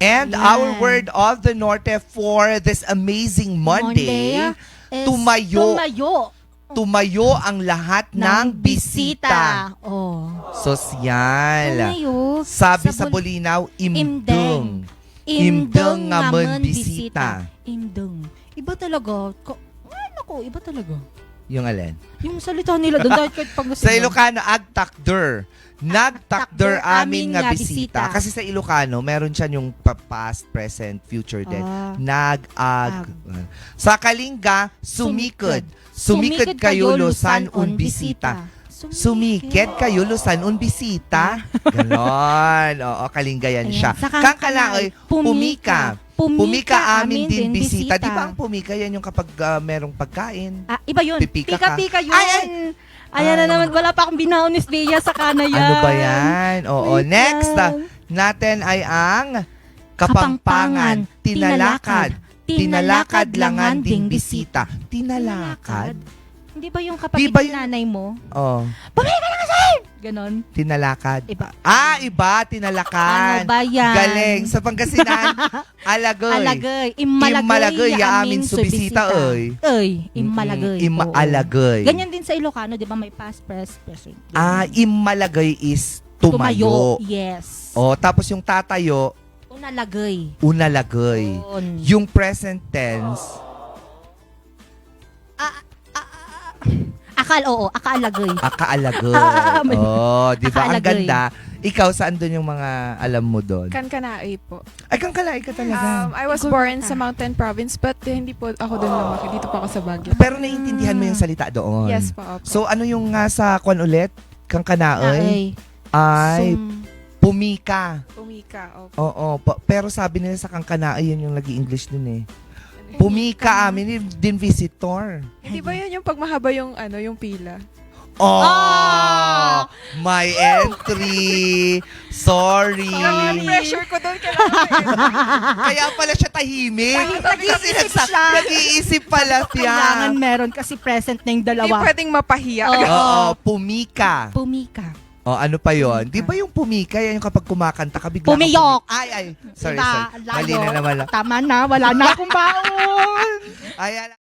And Yan. our word of the Norte for this amazing Monday, is tumayo. Tumayo ang lahat ng bisita. Oh. Sosyal. Tumayo. Sabi sa Bulinaw, imdeng. Imdeng nga man bisita. Imdeng. Iba talaga. Iba talaga. Yung alin? Yung salita nila doon, dahil kahit pag Sa Ilocano, agtakder. Nagtakder amin nga bisita. Kasi sa Ilocano, meron siya yung past, present, future din. Nag-ag. Sa Kalinga, sumikod. Sumikod kayo lusan un bisita. Sumikid kayo lusan un bisita. Ganon. Oo, Kalinga yan siya. Kang Kalaoy, pumika. Pumika amin din bisita. Di ba ang pumika yan yung kapag merong pagkain? Iba yun. Pipika ka. Pika-pika yun. Ayan na naman. Wala pa akong binaon ni Bea sa kana yan. Ano ba yan? Oo. Wait Next lang. natin ay ang Kapampangan. Tinalakad. Tinalakad langan ding bisita. Tinalakad? Hindi ba yung kapatid Di ba ng nanay mo? Oh. Bumili ka na kasi! Ganon. Tinalakad. Iba. Iba. Tinalakan. Ano ba yan? Galing. Sa Pangasinan, alagoy. Alagay. Imalagay ya amin subisita, oy. Imalagay. Imaalagay. Ganyan din sa Ilocano, di ba? May past, present. Imalagay is tumayo. Yes. Oh, tapos yung tatayo, Unalagay. unalagay. Yun. Yung present tense, Akaalagay. akaalagay. Oh, di ba? Ang Akaalagay. ganda. Ikaw, saan doon yung mga alam mo doon? Kankanai po. Ay, kang kalay ka talaga. I was born sa Mountain Province but hindi po ako doon lumaki. Dito po ako sa Baguio. Pero naiintindihan mo yung salita doon. Yes po. Opo. So, ano yung nga sa kwan ulit? Kang kanaoy? Ay, pumika. Umika. Opo. Oo. Pero sabi nila sa kang kanaoy, yun yung nag-i-English dun eh. Pumika amin din visitor. Hindi ba yun yung pag mahaba yung, yung pila? Oh! My entry! Sorry! Pressure ko doon. Kaya pala siya tahimik. Nag-iisip siya. Nag-iisip pala Kailangan siya. meron kasi present na yung Hindi dalawa. pwedeng mapahiya. Oo, pumika. Pumika. O, ano pa yon? Di ba yung pumika, yan yung kapag kumakanta ka, bigla Pumiyok. Ay. Sorry, Diba? sorry. Mali na naman. Tama na, wala na akong baon. Ay,